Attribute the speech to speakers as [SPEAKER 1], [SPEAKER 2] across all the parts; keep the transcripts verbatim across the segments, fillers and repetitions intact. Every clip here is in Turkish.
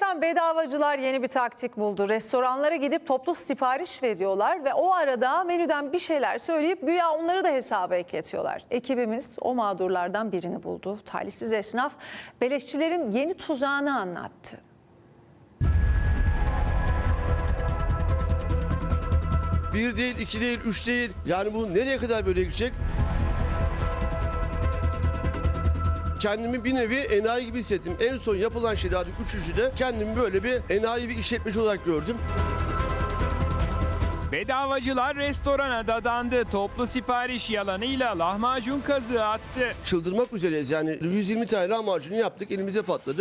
[SPEAKER 1] Efendim bedavacılar yeni bir taktik buldu. Restoranlara gidip toplu sipariş veriyorlar ve o arada menüden bir şeyler söyleyip güya onları da hesaba ekletiyorlar. Ekibimiz o mağdurlardan birini buldu. Talihsiz esnaf beleşçilerin yeni tuzağını anlattı.
[SPEAKER 2] Bir değil, iki değil, üç değil. Yani bu nereye kadar böyle gidecek? Kendimi bir nevi enayi gibi hissettim. En son yapılan şeylerden üçüncüde kendimi böyle bir enayi bir işletmeci olarak gördüm.
[SPEAKER 3] Bedavacılar restorana dadandı. Toplu sipariş yalanıyla lahmacun kazığı attı.
[SPEAKER 2] Çıldırmak üzereyiz yani. yüz yirmi tane lahmacunu yaptık, elimize patladı.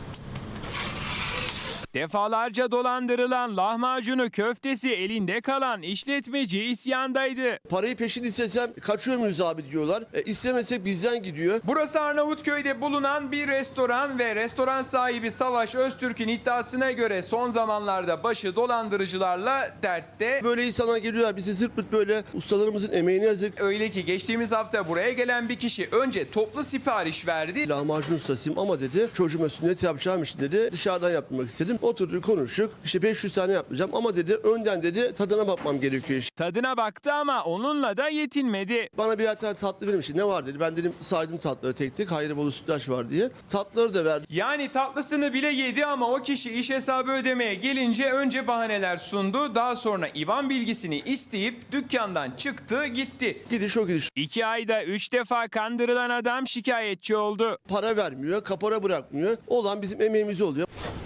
[SPEAKER 3] Defalarca dolandırılan lahmacunu köftesi elinde kalan işletmeci isyandaydı.
[SPEAKER 2] Parayı peşin istesem kaçıyor muyuz abi diyorlar. E, istemesek bizden gidiyor.
[SPEAKER 4] Burası Arnavutköy'de bulunan bir restoran ve restoran sahibi Savaş Öztürk'ün iddiasına göre son zamanlarda başı dolandırıcılarla dertte.
[SPEAKER 2] Böyle insanlar geliyorlar bizi zırt pırt böyle ustalarımızın emeğine yazık.
[SPEAKER 4] Öyle ki geçtiğimiz hafta buraya gelen bir kişi önce toplu sipariş verdi.
[SPEAKER 2] Lahmacun ustasıyım ama dedi çocuğuma sünnet yapacağım için dedi dışarıdan yaptırmak istedim. Oturduk konuştuk işte beş yüz tane yapacağım ama dedi önden dedi tadına bakmam gerekiyor işte.
[SPEAKER 3] Tadına baktı ama onunla da yetinmedi.
[SPEAKER 2] Bana birer tane tatlı vermiş. Ne var dedi. Ben dedim saydım tatları tek tek. Hayribolu sütlaç var diye. Tatlıları da verdi.
[SPEAKER 4] Yani tatlısını bile yedi ama o kişi iş hesabı ödemeye gelince önce bahaneler sundu. Daha sonra İ B A N bilgisini isteyip dükkandan çıktı gitti.
[SPEAKER 2] Gidiş o gidiş.
[SPEAKER 3] İki ayda üç defa kandırılan adam şikayetçi oldu.
[SPEAKER 2] Para vermiyor, kapora bırakmıyor. Olan bizim emeğimiz oluyor.